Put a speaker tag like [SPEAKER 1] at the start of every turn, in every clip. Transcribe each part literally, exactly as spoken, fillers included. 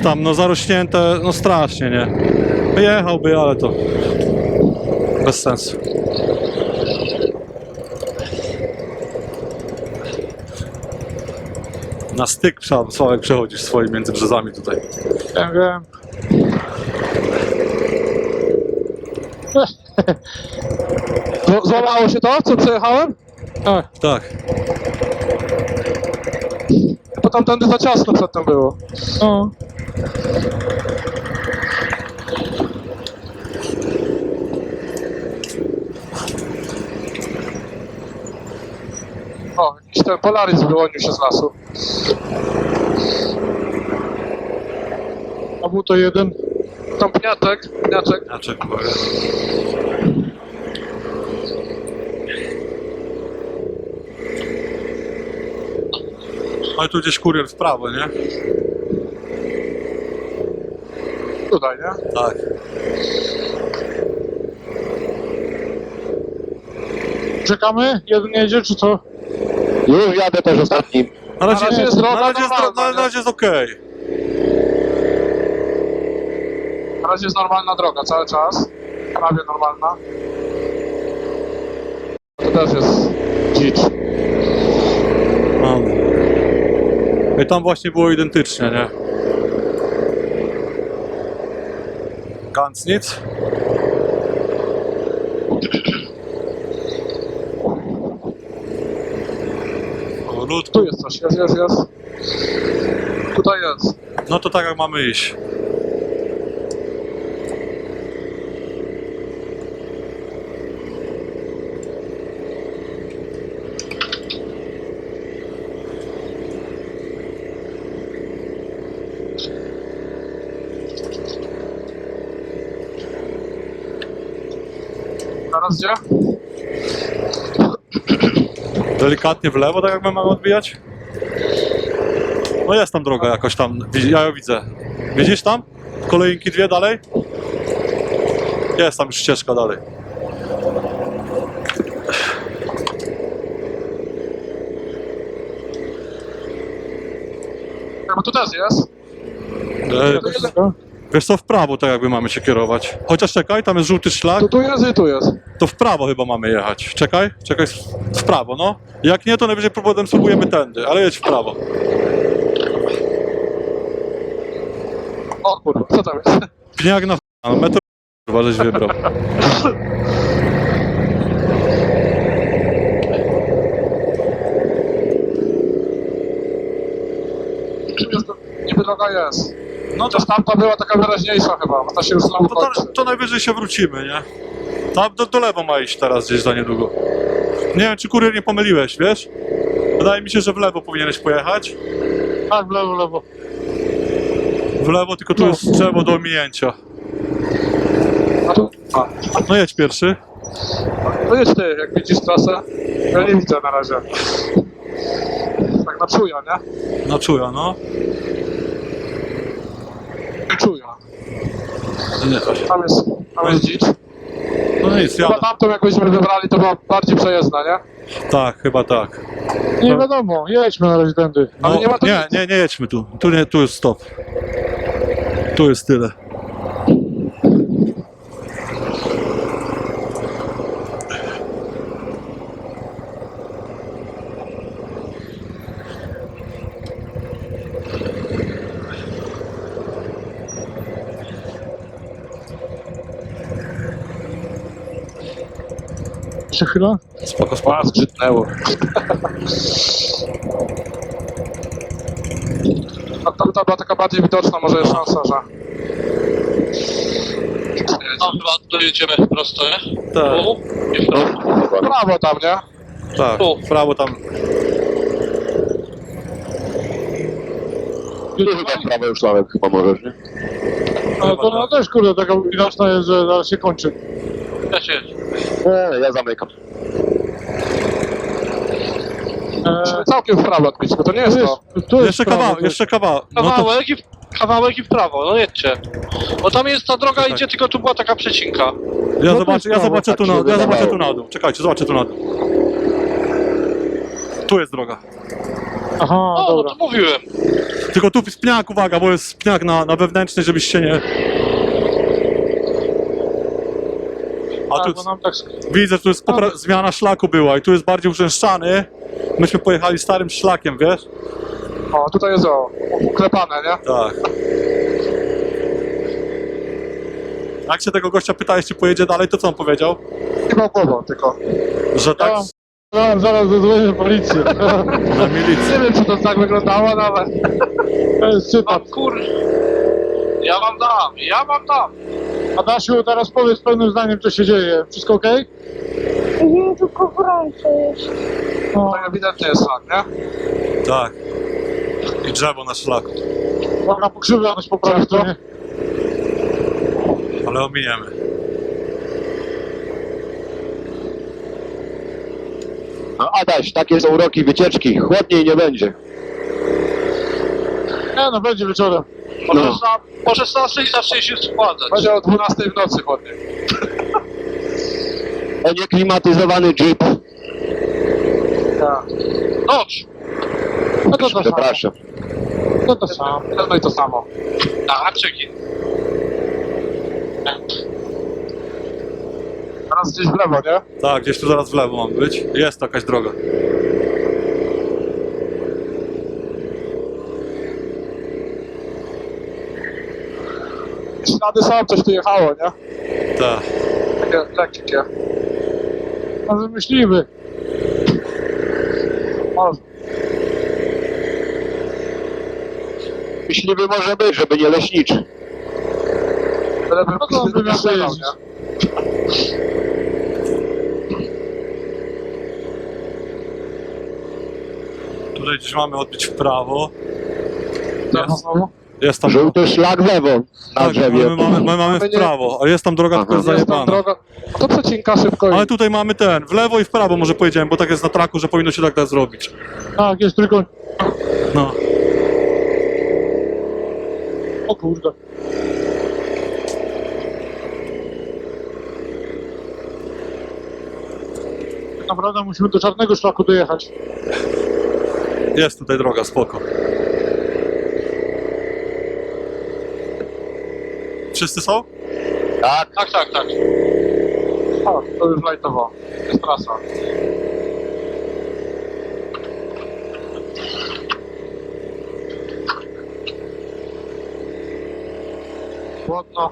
[SPEAKER 1] tam, no zarośnięte, no strasznie, nie? Jechałby, ale to bez sensu. Na styk trzeba, Sławek, przechodzisz swoim między brzezami tutaj.
[SPEAKER 2] Wiem, wiem. Z- Złamało się to, co przejechałem? Tak.
[SPEAKER 1] Tak.
[SPEAKER 2] Bo tamtędy za ciasno przedtem było. No. O, jakiś ten Polaris wyłonił się z lasu. A był to jeden. Tam pniaczek, pniaczek.
[SPEAKER 1] Znaczek, uwaga. No i tu gdzieś kurier w prawo, nie?
[SPEAKER 2] Tutaj, nie?
[SPEAKER 1] Tak.
[SPEAKER 2] Czekamy? Jeden jedzie, czy co?
[SPEAKER 3] Już jadę też ostatnim.
[SPEAKER 1] Na razie,
[SPEAKER 2] Na razie jest droga
[SPEAKER 1] na razie jest,
[SPEAKER 2] normalna,
[SPEAKER 1] na,
[SPEAKER 2] nie?
[SPEAKER 1] na razie jest okej.
[SPEAKER 2] Na razie jest normalna droga cały czas. Prawie normalna. To też jest dzicz.
[SPEAKER 1] No. I tam właśnie było identycznie, nie? Ganz nic. O, lód.
[SPEAKER 2] Tu jest coś, jest, jest, jest. Tutaj jest.
[SPEAKER 1] No to tak jak mamy iść.
[SPEAKER 2] Teraz gdzie?
[SPEAKER 1] Delikatnie w lewo, tak jak my mamy odbijać? No jest tam droga jakoś tam, widzi- ja ją widzę. Widzisz tam? Kolejnki dwie dalej? Jest tam już ścieżka dalej.
[SPEAKER 2] Ja, bo tu też jest.
[SPEAKER 1] E,
[SPEAKER 2] Tu, jest.
[SPEAKER 1] wiesz co, w prawo tak jakby mamy się kierować. Chociaż czekaj, tam jest żółty szlak,
[SPEAKER 2] tu, tu jest i tu jest.
[SPEAKER 1] to w prawo chyba mamy jechać. Czekaj, czekaj, w prawo, no. Jak nie, to najwyżej potem spróbujemy tędy, ale jedź w prawo.
[SPEAKER 2] O kurwa, co tam jest?
[SPEAKER 1] Pniak na no, metr kurwa, żeś wybrał.
[SPEAKER 2] Tu jest, niby droga jest.
[SPEAKER 1] No to,
[SPEAKER 2] Chociaż tamta była taka wyraźniejsza chyba, bo ta się już znowu
[SPEAKER 1] to, to,
[SPEAKER 2] kończy.
[SPEAKER 1] to najwyżej się wrócimy, nie? Tam do, do lewo ma iść teraz gdzieś za niedługo. Nie wiem, czy kurier nie pomyliłeś, wiesz? Wydaje mi się, że w lewo powinieneś pojechać.
[SPEAKER 2] Tak, w lewo, w lewo.
[SPEAKER 1] W lewo, tylko tu jest drzewo do ominięcia.
[SPEAKER 2] A tu? A.
[SPEAKER 1] No jedź pierwszy.
[SPEAKER 2] To jedź ty, jak widzisz trasę. Ja nie widzę na razie. Tak na czuja, nie?
[SPEAKER 1] Na czuja, no.
[SPEAKER 2] Czuja.
[SPEAKER 1] Nie,
[SPEAKER 2] Tam jest, tam jest dzicz.
[SPEAKER 1] no nic,
[SPEAKER 2] Chyba
[SPEAKER 1] jadę.
[SPEAKER 2] tamtą jakbyśmy wybrali, to była bardziej przejezdna, nie?
[SPEAKER 1] Tak, chyba tak.
[SPEAKER 2] Nie wiadomo, jedźmy na razie tędy.
[SPEAKER 1] No,
[SPEAKER 2] Ale nie ma tu
[SPEAKER 1] nie,
[SPEAKER 2] nic.
[SPEAKER 1] nie, nie jedźmy tu. Tu, nie, tu jest stop. Tu jest tyle.
[SPEAKER 2] Jeszcze chwilę?
[SPEAKER 1] Spoko, spoko.
[SPEAKER 2] A, zgrzytnęło. A tamta była taka bardziej widoczna, może jest szansa, że...
[SPEAKER 4] No chyba dojedziemy prosto, nie?
[SPEAKER 1] Tak.
[SPEAKER 4] Tu i w prawo.
[SPEAKER 2] Prawo tam, nie?
[SPEAKER 1] Tak,
[SPEAKER 4] Tu.
[SPEAKER 1] w prawo tam.
[SPEAKER 3] Tu chyba w prawo już Sławek chyba możesz, nie?
[SPEAKER 2] Ale to ona też, kurde, taka widoczna jest, że zaraz się kończy.
[SPEAKER 4] Ja się jedź.
[SPEAKER 3] Nie, ja zamykam.
[SPEAKER 2] Musimy całkiem w prawo odbić, bo to nie jest to.
[SPEAKER 5] Tu jest
[SPEAKER 1] Jeszcze
[SPEAKER 5] prawo,
[SPEAKER 1] kawał,
[SPEAKER 5] tu-
[SPEAKER 1] jeszcze kawał. No to,
[SPEAKER 4] Kawałek i w, kawałek i w prawo, no jedźcie. Bo tam jest ta droga idzie, tylko tu była taka przecinka.
[SPEAKER 1] ja
[SPEAKER 5] to
[SPEAKER 1] zobaczę,
[SPEAKER 5] jest
[SPEAKER 1] ja
[SPEAKER 5] prawo,
[SPEAKER 1] zobaczę
[SPEAKER 3] tak
[SPEAKER 1] tu
[SPEAKER 3] się
[SPEAKER 1] na, ja
[SPEAKER 3] wydawało.
[SPEAKER 1] zobaczę tu na dół. Czekajcie, zobaczę tu na dół. Tu jest droga.
[SPEAKER 5] Aha,
[SPEAKER 4] O, no
[SPEAKER 5] dobra.
[SPEAKER 4] to mówiłem.
[SPEAKER 1] Tylko tu spniak, uwaga, bo jest spniak na, na wewnętrzny, żebyś się nie... A
[SPEAKER 2] Tak,
[SPEAKER 1] tu
[SPEAKER 2] bo nam tak...
[SPEAKER 1] widzę, że tu jest popra- zmiana szlaku była i tu jest bardziej urzęszczany. Myśmy pojechali starym szlakiem, wiesz?
[SPEAKER 2] O, tutaj jest o, uklepane, nie?
[SPEAKER 1] Tak. Jak się tego gościa pytałeś, czy pojedzie dalej, to co on powiedział?
[SPEAKER 2] Chyba głową tylko.
[SPEAKER 1] Że tak
[SPEAKER 2] No, zaraz zadzwonię policję.
[SPEAKER 1] na milicji.
[SPEAKER 2] Nie wiem, czy to tak wyglądało, no ale... To jest cytat.
[SPEAKER 4] Mam kur... Ja wam dam, ja wam dam.
[SPEAKER 2] Adasiu, teraz powiedz pełnym zdaniem, co się dzieje. Wszystko okej?
[SPEAKER 5] Nie, tylko gorąco jest.
[SPEAKER 2] No,
[SPEAKER 4] To ewidentnie jest szlak, nie?
[SPEAKER 1] Tak. I drzewo na szlaku.
[SPEAKER 2] można pokrzywioność po prawej stronie.
[SPEAKER 1] Ale ominiemy.
[SPEAKER 3] No Adaś, takie są uroki wycieczki. Chłodniej nie będzie.
[SPEAKER 2] Nie no, będzie wieczorem.
[SPEAKER 4] Po,
[SPEAKER 3] No.
[SPEAKER 4] szesna- po szesnastej zacznie się schładzać.
[SPEAKER 2] Będzie o dwunastej w nocy chłodniej.
[SPEAKER 3] To nieklimatyzowany jeep.
[SPEAKER 2] Tak.
[SPEAKER 4] Noc!
[SPEAKER 2] No to to samo.
[SPEAKER 3] Przepraszam.
[SPEAKER 2] No to samo. No i to samo.
[SPEAKER 4] Na haczyki.
[SPEAKER 2] Teraz gdzieś w lewo, nie?
[SPEAKER 1] Tak, gdzieś tu zaraz w lewo mam być. Jest to jakaś droga.
[SPEAKER 2] Ślady są, coś tu jechało, nie?
[SPEAKER 1] Tak.
[SPEAKER 2] Takie lekkie. Może myśliwy. Może.
[SPEAKER 3] Myśliwy może być, żeby nie leśniczy.
[SPEAKER 2] Ale bym
[SPEAKER 4] No to by miał
[SPEAKER 2] strzelał,
[SPEAKER 4] jeździć.
[SPEAKER 2] nie?
[SPEAKER 1] Tutaj gdzieś mamy odbić w prawo.
[SPEAKER 2] Co,
[SPEAKER 1] Jest,
[SPEAKER 2] znowu?
[SPEAKER 1] jest tam...
[SPEAKER 3] Żółty szlak w lewo na
[SPEAKER 1] Tak,
[SPEAKER 3] drzewie.
[SPEAKER 1] my mamy, my mamy w prawo, a jest tam droga,
[SPEAKER 3] Aha.
[SPEAKER 1] tylko jest
[SPEAKER 2] Jest tam
[SPEAKER 1] zajebana.
[SPEAKER 2] droga. To przecinka szybko
[SPEAKER 1] Ale
[SPEAKER 2] i...
[SPEAKER 1] tutaj mamy ten, w lewo i w prawo może pojedziemy, bo tak jest na traku, że powinno się tak da zrobić.
[SPEAKER 2] Tak, jest tylko...
[SPEAKER 1] No.
[SPEAKER 2] O kurde. Tak naprawdę musimy do czarnego szlaku dojechać.
[SPEAKER 1] Jest tutaj droga, spoko. Wszyscy są?
[SPEAKER 3] Tak,
[SPEAKER 4] Tak, tak, tak.
[SPEAKER 2] O, to już lajtowo. Jest trasa. Chłodno.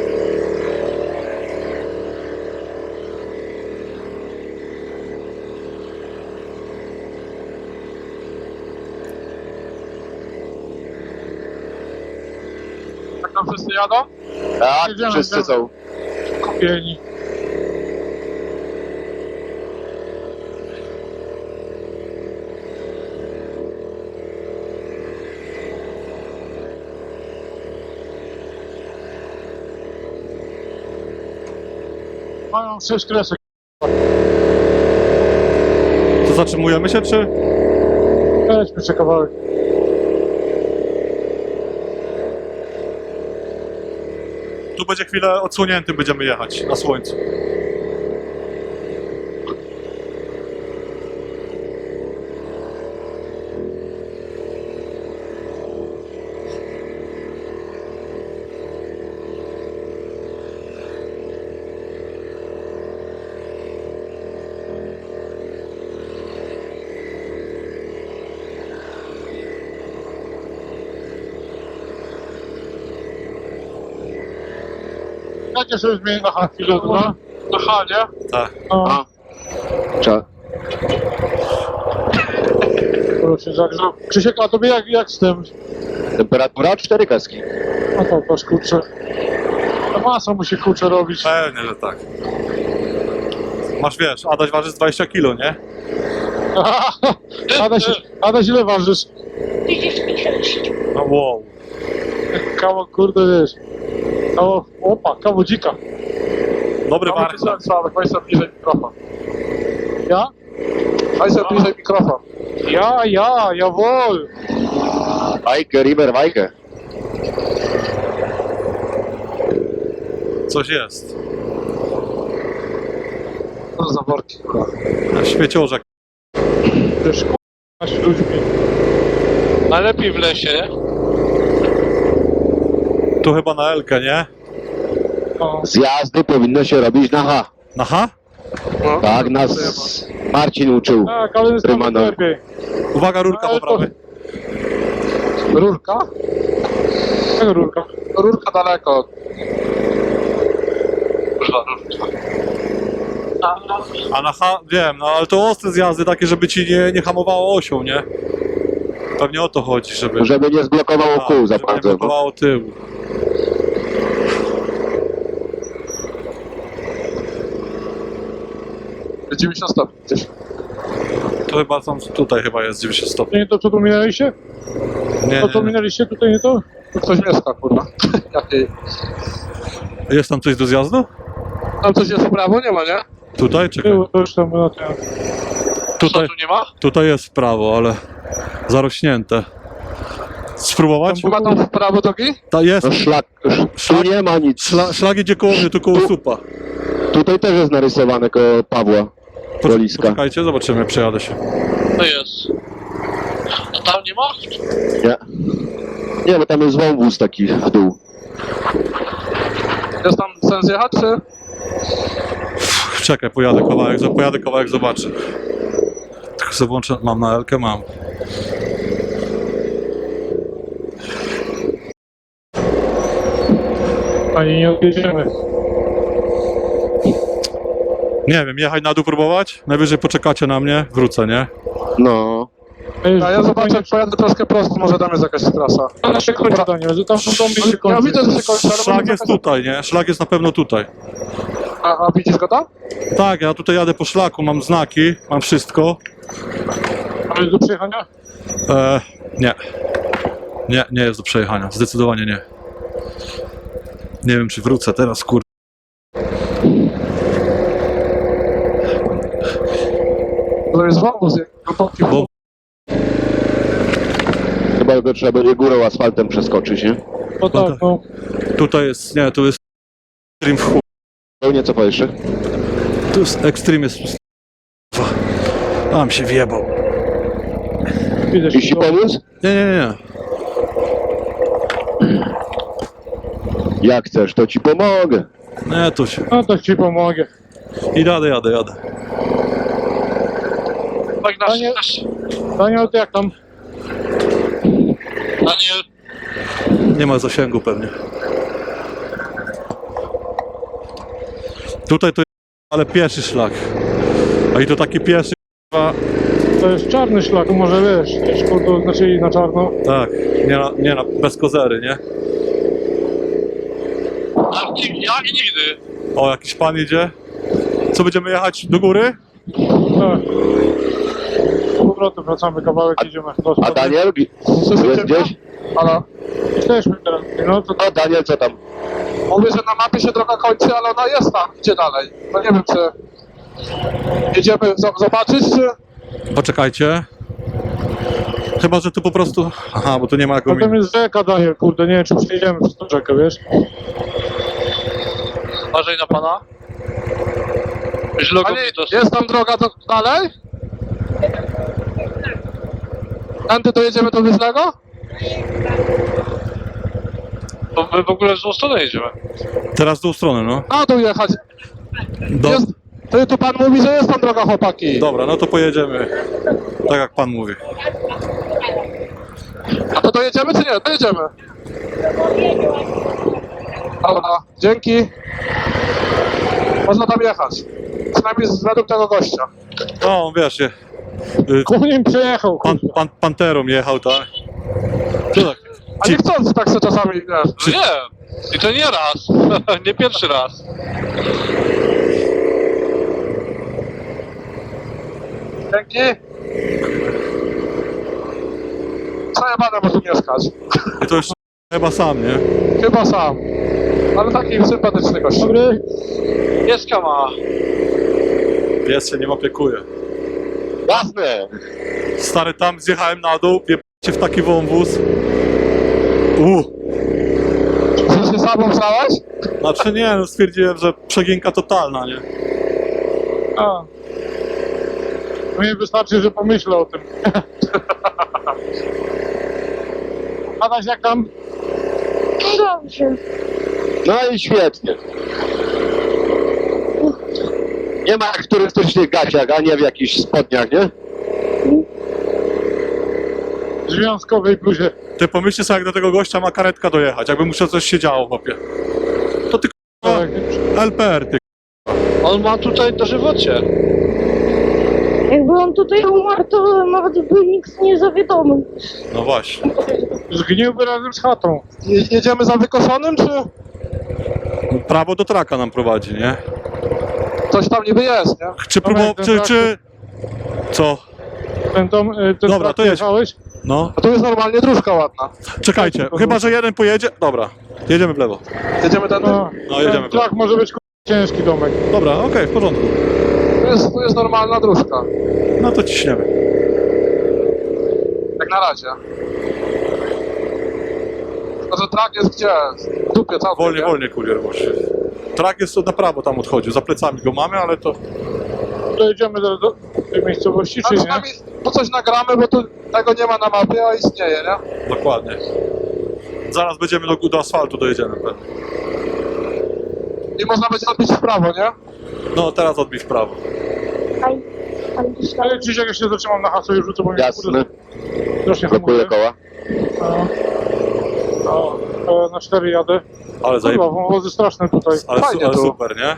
[SPEAKER 2] Tak tam wszyscy jadą?
[SPEAKER 3] tak,
[SPEAKER 2] Jedziemy,
[SPEAKER 3] wszyscy
[SPEAKER 2] jedziemy.
[SPEAKER 3] są.
[SPEAKER 2] Kupieni. Mają sześć kresek.
[SPEAKER 1] To zatrzymujemy się, czy?
[SPEAKER 2] Weźmy jeszcze kawałek.
[SPEAKER 1] Tu będzie chwilę odsłonięty, będziemy jechać na słońcu.
[SPEAKER 2] Dajcie sobie zmienić na H chwilę, no.
[SPEAKER 4] Na H, nie?
[SPEAKER 1] Tak.
[SPEAKER 2] No,
[SPEAKER 3] A. Trzeba.
[SPEAKER 2] proszę, zagrzał. Krzysiek, a tobie jak, jak z tym?
[SPEAKER 3] Temperatura cztery kreski.
[SPEAKER 2] No to patrz, kurczę. To masa musi kurczę robić.
[SPEAKER 1] Pewnie, że tak. Masz, wiesz, Adaś waży z dwadzieścia kilo, nie?
[SPEAKER 2] Adaś, Adaś ile ważysz?
[SPEAKER 5] trzydzieści sześć.
[SPEAKER 1] No wow.
[SPEAKER 2] Kawał, kurde, wiesz. Kawał, opa, kawał dzika.
[SPEAKER 1] Dobry
[SPEAKER 2] Kawał
[SPEAKER 1] warsztat.
[SPEAKER 2] tysiąc, ale weź sobie bliżej mikrofon. Ja? Weź sobie bliżej mikrofon. Ja, ja, jawohl.
[SPEAKER 3] Wajkę, River, wajkę.
[SPEAKER 1] Coś jest.
[SPEAKER 2] Co za worki, kurwa.
[SPEAKER 1] Śmieciorzek.
[SPEAKER 2] Wiesz, kurwa, ludźmi.
[SPEAKER 4] Najlepiej w lesie, nie?
[SPEAKER 1] Tu chyba na Elkę, nie?
[SPEAKER 2] No,
[SPEAKER 3] Zjazdy powinno się robić na H.
[SPEAKER 1] Na H?
[SPEAKER 2] no.
[SPEAKER 3] Tak nas Marcin uczył.
[SPEAKER 2] Tak, ale jest tam
[SPEAKER 3] Rymano.
[SPEAKER 2] lepiej.
[SPEAKER 1] Uwaga, rurka
[SPEAKER 2] Ale
[SPEAKER 1] po
[SPEAKER 2] to-
[SPEAKER 1] prawej.
[SPEAKER 2] Rurka? Jaka rurka? Rurka daleko.
[SPEAKER 4] Kurwa, rurka.
[SPEAKER 1] A na H, wiem, no ale to ostre zjazdy takie, żeby ci nie, nie hamowało osią, nie? Pewnie o to chodzi, żeby...
[SPEAKER 3] Żeby nie zblokowało
[SPEAKER 1] A,
[SPEAKER 3] kół za
[SPEAKER 1] żeby nie
[SPEAKER 3] bardzo. No.
[SPEAKER 1] blokowało tyłu.
[SPEAKER 2] dziewięćdziesiąt stopni gdzieś.
[SPEAKER 1] To chyba tam, tutaj chyba jest dziewięćdziesiąt stopni.
[SPEAKER 2] To nie to, co tu minęliście?
[SPEAKER 1] Nie,
[SPEAKER 2] To, co
[SPEAKER 1] nie, nie.
[SPEAKER 2] minęliście, tutaj nie to? Tu ktoś mieszka, kurwa. Jakiej?
[SPEAKER 1] Jest tam coś do zjazdu?
[SPEAKER 2] Tam coś jest w prawo? Nie ma, nie?
[SPEAKER 1] Tutaj? Czekaj.
[SPEAKER 2] Było, to już tam na tym.
[SPEAKER 4] Co
[SPEAKER 1] Tutaj,
[SPEAKER 4] tu nie ma?
[SPEAKER 1] tutaj jest w prawo, ale zarośnięte. Spróbować?
[SPEAKER 2] Chyba tam w prawo drogi?
[SPEAKER 1] Ta jest.
[SPEAKER 3] No szlak, tu nie ma nic.
[SPEAKER 1] Szla, szlak idzie koło mnie, tu koło supa.
[SPEAKER 3] Tutaj też jest narysowane koło Pawła. Poliska.
[SPEAKER 1] Poczekajcie, zobaczymy, przejadę się.
[SPEAKER 4] To jest. A tam nie ma?
[SPEAKER 3] Nie. Nie, bo tam jest wąwóz taki w dół.
[SPEAKER 2] Jest tam sens jechać, czy?
[SPEAKER 1] Czekaj, pojadę kawałek, pojadę kawałek, zobaczę. Tylko sobie włączę, mam na Elkę, mam.
[SPEAKER 2] Ani nie odjedziemy.
[SPEAKER 1] Nie wiem, jechać na dół próbować? Najwyżej poczekacie na mnie, wrócę, nie?
[SPEAKER 3] No.
[SPEAKER 2] A ja zobaczę, jak pojadę troszkę prosto, może tam jest jakaś trasa. Ale się kończy, Daniel, że tam są domy się kończy. Ja widzę, że się kończy, ale
[SPEAKER 1] Szlak
[SPEAKER 2] może
[SPEAKER 1] jest
[SPEAKER 2] jakaś-
[SPEAKER 1] tutaj, nie? Szlak jest na pewno tutaj.
[SPEAKER 2] A, a widzisz go tam?
[SPEAKER 1] Tak, ja tutaj jadę po szlaku, mam znaki, mam wszystko.
[SPEAKER 2] A jest do przejechania?
[SPEAKER 1] E, nie. Nie, nie jest do przejechania, zdecydowanie nie. Nie wiem, czy wrócę teraz, kur...
[SPEAKER 2] To jest wąwóz, głęboki
[SPEAKER 1] Bo
[SPEAKER 2] wąwóz.
[SPEAKER 3] Chyba go trzeba będzie górą asfaltem przeskoczyć, nie?
[SPEAKER 2] No tak, no.
[SPEAKER 1] tutaj jest, nie, tu jest Extreme w chuj.
[SPEAKER 3] Pełnie co powiesz jeszcze?
[SPEAKER 1] Tu jest Extreme, jest... Tam się wjebał.
[SPEAKER 2] Widzę
[SPEAKER 3] Ci ci
[SPEAKER 2] się.
[SPEAKER 3] pomóc?
[SPEAKER 1] Nie, nie, nie.
[SPEAKER 3] Jak chcesz, to ci pomogę.
[SPEAKER 1] Nie, tu się...
[SPEAKER 2] No to ci pomogę.
[SPEAKER 1] I jadę, jadę, jadę.
[SPEAKER 4] Tak nasz,
[SPEAKER 2] Panie-
[SPEAKER 4] nasz.
[SPEAKER 2] Daniel, to jak tam?
[SPEAKER 4] Daniel.
[SPEAKER 1] Nie ma zasięgu pewnie. Tutaj to jest, ale pieszy szlak. A i to taki pieszy, k***a,
[SPEAKER 2] To jest czarny szlak, może wiesz, szkoda, znaczy na czarno.
[SPEAKER 1] tak, nie, na, nie na, bez kozery, nie?
[SPEAKER 4] A, nig- ja i nigdy.
[SPEAKER 1] O, jakiś pan idzie. Co, będziemy jechać do góry?
[SPEAKER 2] Tak. Z powrotem wracamy, kawałek idziemy. Do
[SPEAKER 3] A Daniel? Jest gdzieś?
[SPEAKER 2] Ale jesteśmy teraz, no to
[SPEAKER 3] No Daniel, co tam?
[SPEAKER 2] mówię, że na mapie się droga kończy, ale ona jest tam, idzie dalej. No nie wiem, czy jedziemy z- zobaczyć, czy...
[SPEAKER 1] Poczekajcie. Chyba, że tu po prostu... Aha, bo tu nie ma jak
[SPEAKER 2] Potem
[SPEAKER 1] ominąć.
[SPEAKER 2] jest rzeka, Daniel, kurde, nie wiem, czy przejdziemy przez tą rzekę, wiesz?
[SPEAKER 4] Uważaj na pana. Źle go
[SPEAKER 2] Ale
[SPEAKER 4] mi dostał.
[SPEAKER 2] jest tam droga do, dalej? Tędy dojedziemy do Wyżnego?
[SPEAKER 4] To my w ogóle w złą stronę jedziemy.
[SPEAKER 1] Teraz w tą stronę, no.
[SPEAKER 2] Na dół jechać.
[SPEAKER 1] Do,
[SPEAKER 2] Jest, ty, tu pan mówi, że jest tam droga, chłopaki.
[SPEAKER 1] dobra, no to pojedziemy. Tak jak pan mówi.
[SPEAKER 2] A to dojedziemy, czy nie? Dojedziemy. Dobra, dzięki. Można tam jechać. Przynajmniej z- według tego gościa.
[SPEAKER 1] No, wiesz, je, y,
[SPEAKER 2] Koniem przejechał,
[SPEAKER 1] pan, pan, Panterą jechał, tak? Co tak?
[SPEAKER 2] A nie chcąc tak se czasami, wiesz.
[SPEAKER 4] No nie. I to nie raz. Nie pierwszy raz.
[SPEAKER 2] Dzięki. Co ja będę może mieszkać?
[SPEAKER 1] I to już chyba sam, nie?
[SPEAKER 2] Chyba sam. Ale taki sympatyczny gość. Dobry.
[SPEAKER 4] Pieska ma.
[SPEAKER 1] Pies się nim opiekuje.
[SPEAKER 3] Jasne.
[SPEAKER 1] Stary, tam zjechałem na dół, się w taki wąwóz. U,
[SPEAKER 2] Czy się sam obstałeś?
[SPEAKER 1] znaczy nie, no stwierdziłem, że przeginka totalna, nie?
[SPEAKER 2] A. Mnie wystarczy, że pomyślę o tym. Adaś, jak tam?
[SPEAKER 5] No dobrze.
[SPEAKER 3] No i świetnie. Nie ma jak w turystycznych gaciach, a nie w jakichś spodniach, nie?
[SPEAKER 6] Związkowej bluzie.
[SPEAKER 1] Ty pomyślcie sobie, jak do tego gościa ma karetka dojechać, jakby musiał coś się działo, chłopie. To ty k***a, L P R, ty
[SPEAKER 4] On ma tutaj dożywocie.
[SPEAKER 5] Jakby on tutaj umarł, to nawet by nikt nie zawiadomił.
[SPEAKER 1] No właśnie.
[SPEAKER 6] Zgniłby razem z chatą.
[SPEAKER 2] Je, jedziemy za wykoszonym, czy
[SPEAKER 1] Prawo do traka nam prowadzi, nie?
[SPEAKER 2] coś tam niby jest, nie?
[SPEAKER 1] Czy próbował,
[SPEAKER 6] ten
[SPEAKER 1] czy,
[SPEAKER 6] trak-
[SPEAKER 1] czy... Co?
[SPEAKER 6] Ten dom, y, ten
[SPEAKER 1] Dobra,
[SPEAKER 6] trak
[SPEAKER 1] to jedź.
[SPEAKER 6] jechałeś?
[SPEAKER 1] No,
[SPEAKER 2] A tu jest normalnie dróżka ładna.
[SPEAKER 1] czekajcie, chyba, że jeden pojedzie... Dobra, jedziemy w lewo.
[SPEAKER 2] Jedziemy tędy?
[SPEAKER 6] No,
[SPEAKER 1] No, jedziemy
[SPEAKER 6] ten
[SPEAKER 1] w lewo.
[SPEAKER 6] trak może być k***a, ciężki domek.
[SPEAKER 1] Dobra, okej, w porządku.
[SPEAKER 2] Tu jest, tu jest normalna dróżka.
[SPEAKER 1] No to ciśniemy.
[SPEAKER 2] Jak na razie. Tylko, że trak jest gdzie? W dupie całkiem,
[SPEAKER 1] Wolniej,
[SPEAKER 2] nie?
[SPEAKER 1] wolniej, kurier, właśnie. Trak jest na prawo tam odchodził, za plecami go mamy, ale to...
[SPEAKER 6] Dojedziemy do, do tej miejscowości,
[SPEAKER 2] A
[SPEAKER 6] czy nie?
[SPEAKER 2] przynajmniej po coś nagramy, bo tu tego nie ma na mapie, a istnieje, nie?
[SPEAKER 1] Dokładnie. Zaraz będziemy do, do asfaltu dojedziemy pewnie.
[SPEAKER 2] I można będzie odbić w prawo, nie?
[SPEAKER 1] No, teraz odbij w prawo.
[SPEAKER 5] Aj, ale gdzieś tam.
[SPEAKER 6] Ale dziś jak ja się zatrzymam na hasło i rzucę, bo mnie
[SPEAKER 3] Jasne.
[SPEAKER 6] strasznie
[SPEAKER 3] Blokuję
[SPEAKER 6] hamuje.
[SPEAKER 3] koła.
[SPEAKER 6] No. No, e, na cztery jadę.
[SPEAKER 1] Ale zajeb...
[SPEAKER 6] Kurwa, wąwozy straszne tutaj.
[SPEAKER 1] Ale, su,
[SPEAKER 2] Fajnie
[SPEAKER 1] ale
[SPEAKER 2] tu.
[SPEAKER 1] super, nie?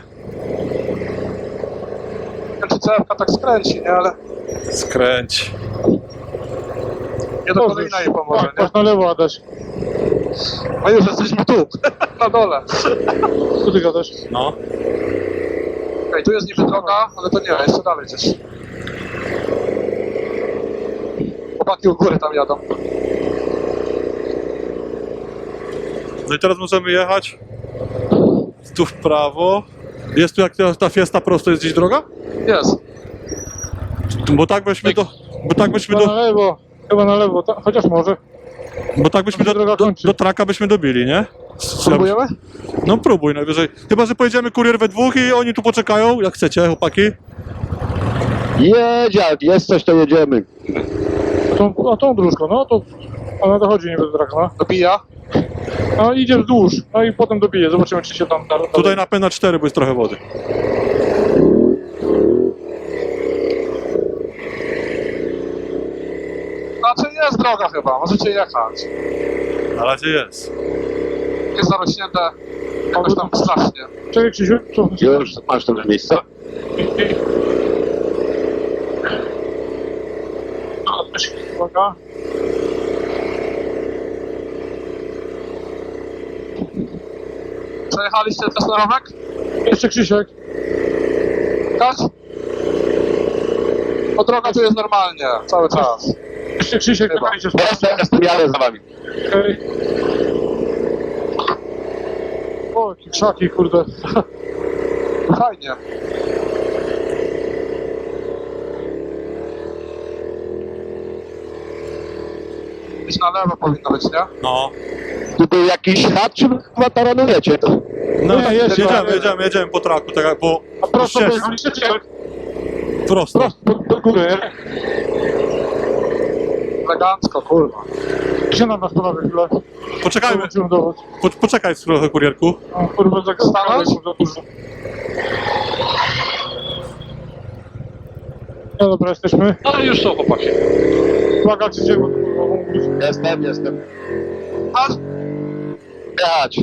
[SPEAKER 2] Nie wiem, czy C F K tak skręci, nie? Ale
[SPEAKER 1] Skręć.
[SPEAKER 2] nie do kolejna jej pomoże,
[SPEAKER 6] Tak,
[SPEAKER 2] nie?
[SPEAKER 6] masz na lewo, Adaś.
[SPEAKER 2] A już jesteśmy tu, na dole.
[SPEAKER 6] Co ty gadasz?
[SPEAKER 1] No.
[SPEAKER 2] Okej, tu jest niby droga, ale to nie, jeszcze dalej gdzieś. Chłopaki u góry tam jadą.
[SPEAKER 1] No i teraz możemy jechać tu w prawo. Jest tu jak ta, ta Fiesta prosto, jest gdzieś droga?
[SPEAKER 2] Jest.
[SPEAKER 1] Bo tak byśmy do... Bo tak byśmy
[SPEAKER 6] Chyba na
[SPEAKER 1] do...
[SPEAKER 6] lewo. Chyba na lewo, ta, chociaż może.
[SPEAKER 1] Bo tak byśmy
[SPEAKER 6] Tam się
[SPEAKER 1] do,
[SPEAKER 6] droga
[SPEAKER 1] do,
[SPEAKER 6] kończy.
[SPEAKER 1] do traka byśmy dobili, nie?
[SPEAKER 2] Spróbujemy?
[SPEAKER 1] No próbuj najwyżej. Chyba, że pojedziemy kurier we dwóch i oni tu poczekają, jak chcecie, chłopaki.
[SPEAKER 3] Jedź, jak jest coś, to jedziemy.
[SPEAKER 6] A tą, a tą dróżką, no to ona dochodzi niby do traka, no.
[SPEAKER 2] Dobija.
[SPEAKER 6] No idzie wzdłuż, no i potem dobije, zobaczymy czy się tam da.
[SPEAKER 1] Tutaj napęd na cztery, bo jest trochę wody.
[SPEAKER 2] Znaczy jest droga chyba, możecie jechać.
[SPEAKER 1] Na razie jest.
[SPEAKER 2] Jest zarośnięte jakoś tam strasznie.
[SPEAKER 6] Czekaj Krzysiu, co?
[SPEAKER 3] Już masz to miejsce.
[SPEAKER 6] No, uwaga.
[SPEAKER 2] Przejechaliście też na romek?
[SPEAKER 6] Jeszcze Krzysiek.
[SPEAKER 2] Tak? Bo droga tu jest normalnie, cały czas.
[SPEAKER 6] Jeszcze Krzysiek,
[SPEAKER 2] Chyba.
[SPEAKER 6] czekajcie,
[SPEAKER 3] Jestem, jestem, jadę za wami.
[SPEAKER 6] okej. O, jakie krzaki, kurde.
[SPEAKER 2] Fajnie. Gdzieś na lewo powinno być, nie?
[SPEAKER 1] No.
[SPEAKER 3] Tu był jakiś chat, czy wy chyba taranujecie?
[SPEAKER 1] No
[SPEAKER 6] Nie,
[SPEAKER 1] tak,
[SPEAKER 6] jest,
[SPEAKER 1] jedziemy,
[SPEAKER 6] jest.
[SPEAKER 1] jedziemy, jedziemy po traku, tak jak po...
[SPEAKER 6] A prosto
[SPEAKER 1] ścieżce.
[SPEAKER 6] pojechaliście, czy jak?
[SPEAKER 1] Prosto.
[SPEAKER 6] Prosto, do, do góry, nie?
[SPEAKER 2] Elegancko, kurwa.
[SPEAKER 6] Gdzie na nas panowie chwilę?
[SPEAKER 1] Poczekajmy,
[SPEAKER 6] Zobaczymy dowód.
[SPEAKER 1] po, poczekaj trochę, kurierku.
[SPEAKER 6] O, kurwa, tak
[SPEAKER 2] Stanąć?
[SPEAKER 6] za dużo. No dobra, jesteśmy.
[SPEAKER 4] No i już są chłopaki.
[SPEAKER 6] Uwaga, Krzysiek, bo kurwa, wąwóz.
[SPEAKER 3] Jestem, jestem.
[SPEAKER 2] A,
[SPEAKER 3] Jechać.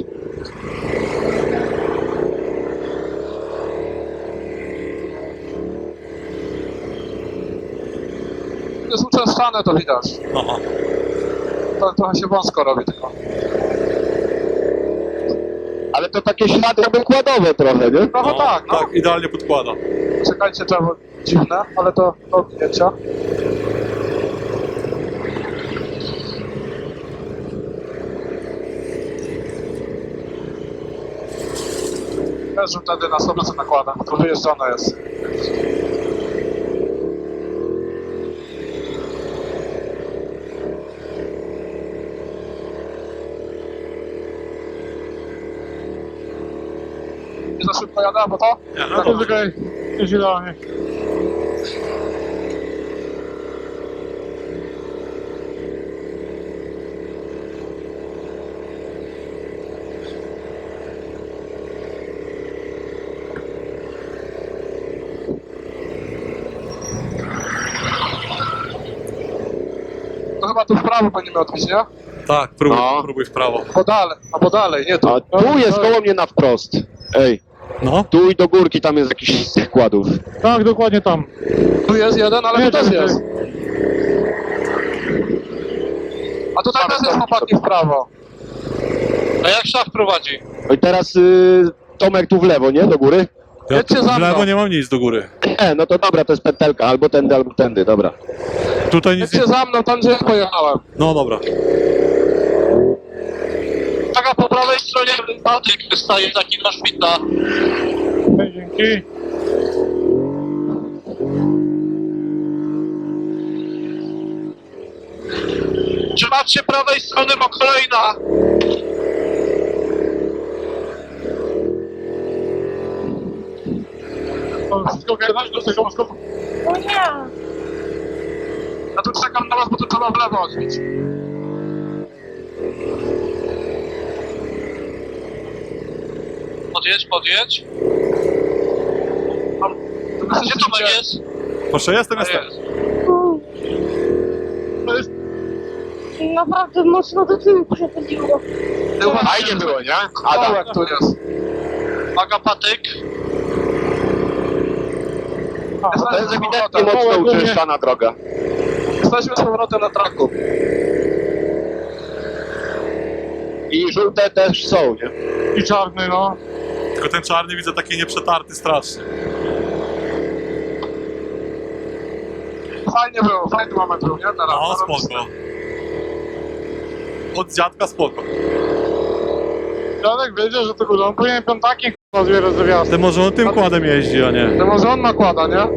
[SPEAKER 2] jest uczęszczane, to widać.
[SPEAKER 1] Aha.
[SPEAKER 2] To trochę się wąsko robi tylko.
[SPEAKER 3] Ale to takie ślady wykładowe trochę, nie?
[SPEAKER 2] Trochę tak, no.
[SPEAKER 1] Tak, idealnie podkłada.
[SPEAKER 2] Czekajcie, drzewo dziwne, ale to do odbijęcia. Też że wtedy na sto procent nakładam, bo to wyjeżdżone jest. Nie za szybko jadę, bo to?
[SPEAKER 1] Nie, no
[SPEAKER 6] No
[SPEAKER 1] to
[SPEAKER 6] to czekaj, jest idealnie.
[SPEAKER 2] chyba tu w prawo będziemy odbić, nie?
[SPEAKER 1] Tak, próbuj,
[SPEAKER 3] No.
[SPEAKER 1] próbuj w prawo.
[SPEAKER 2] Bo dalej, albo dalej, nie tu.
[SPEAKER 3] A tu jest koło mnie na wprost. Ej,
[SPEAKER 1] No,
[SPEAKER 3] tu i do górki tam jest jakiś z tych kładów.
[SPEAKER 6] Tak, dokładnie tam.
[SPEAKER 2] Tu jest jeden, ale tu
[SPEAKER 6] Jedzie,
[SPEAKER 2] też
[SPEAKER 6] jedzie.
[SPEAKER 2] jest. A tutaj też jest chłopaki w prawo.
[SPEAKER 4] A jak szaf prowadzi?
[SPEAKER 3] No i teraz y, Tomek tu w lewo, nie? Do góry?
[SPEAKER 1] ja
[SPEAKER 2] Jedźcie
[SPEAKER 1] tu
[SPEAKER 2] za
[SPEAKER 1] w
[SPEAKER 2] mną.
[SPEAKER 1] lewo nie mam nic do góry.
[SPEAKER 3] E, no to dobra, to jest pętelka. Albo tędy, albo tędy, dobra.
[SPEAKER 1] Tutaj nic nie...
[SPEAKER 2] Jedźcie za mną, tam gdzie ja pojechałem.
[SPEAKER 1] No dobra.
[SPEAKER 4] Taka po prawej stronie Patryk wystaje taki na szpita.
[SPEAKER 6] Dzięki.
[SPEAKER 4] Trzymać się prawej strony, bo kolejna.
[SPEAKER 6] To wszystko ogarnąć do tego mostu.
[SPEAKER 5] O nie.
[SPEAKER 2] Ja tu czekam na was, bo tu trzeba w lewo odbić.
[SPEAKER 4] Podjedź, podjedź.
[SPEAKER 2] Tu
[SPEAKER 4] Gdzie
[SPEAKER 2] jesteście-
[SPEAKER 4] Tomek jest?
[SPEAKER 1] Proszę, jestem,
[SPEAKER 4] A
[SPEAKER 1] jestem.
[SPEAKER 4] jest.
[SPEAKER 5] U. Naprawdę mocno do tyłu przechodziło.
[SPEAKER 2] Ty uważaj,
[SPEAKER 3] Fajnie było, nie?
[SPEAKER 2] Adam,
[SPEAKER 3] Adam.
[SPEAKER 2] jak tu jest.
[SPEAKER 4] Uwaga, patyk.
[SPEAKER 3] To jest ewidentnie
[SPEAKER 2] powrotem.
[SPEAKER 3] mocno uczęszczana droga.
[SPEAKER 2] Jesteśmy z powrotem na traku.
[SPEAKER 3] I żółte też są, nie?
[SPEAKER 6] I czarny, no.
[SPEAKER 1] Tylko ten czarny widzę taki nieprzetarty strasznie.
[SPEAKER 2] Fajnie było, fajny moment był, nie? Teraz.
[SPEAKER 1] No, spoko. Od dziadka spoko.
[SPEAKER 6] Dziadek wiedział, że to górą. Powinien piątaki k***a zbierać ze wjazdu.
[SPEAKER 1] Ty może on tym kładem jeździ, a nie.
[SPEAKER 2] To może on nakłada, nie?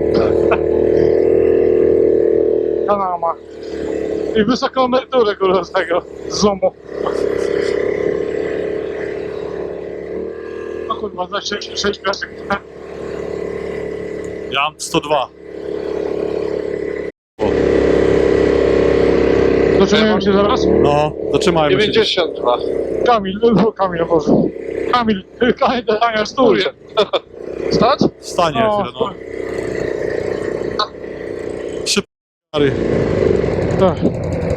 [SPEAKER 6] Kanama. I wysoką emeryturę kurwa z tego. Z zoomu. No kurwa, za sześć, sześć piasek.
[SPEAKER 1] Ja mam sto dwa.
[SPEAKER 6] Zaczynają się zaraz?
[SPEAKER 1] No, zatrzymajmy się.
[SPEAKER 4] dziewięćdziesiąt dwa.
[SPEAKER 6] Kamil, no Kamil, o Boże. Kamil, Kamil, Kamil, stój.
[SPEAKER 2] Stać?
[SPEAKER 1] Wstanie
[SPEAKER 6] O,
[SPEAKER 1] chwilę, no. Szybko.
[SPEAKER 6] tak.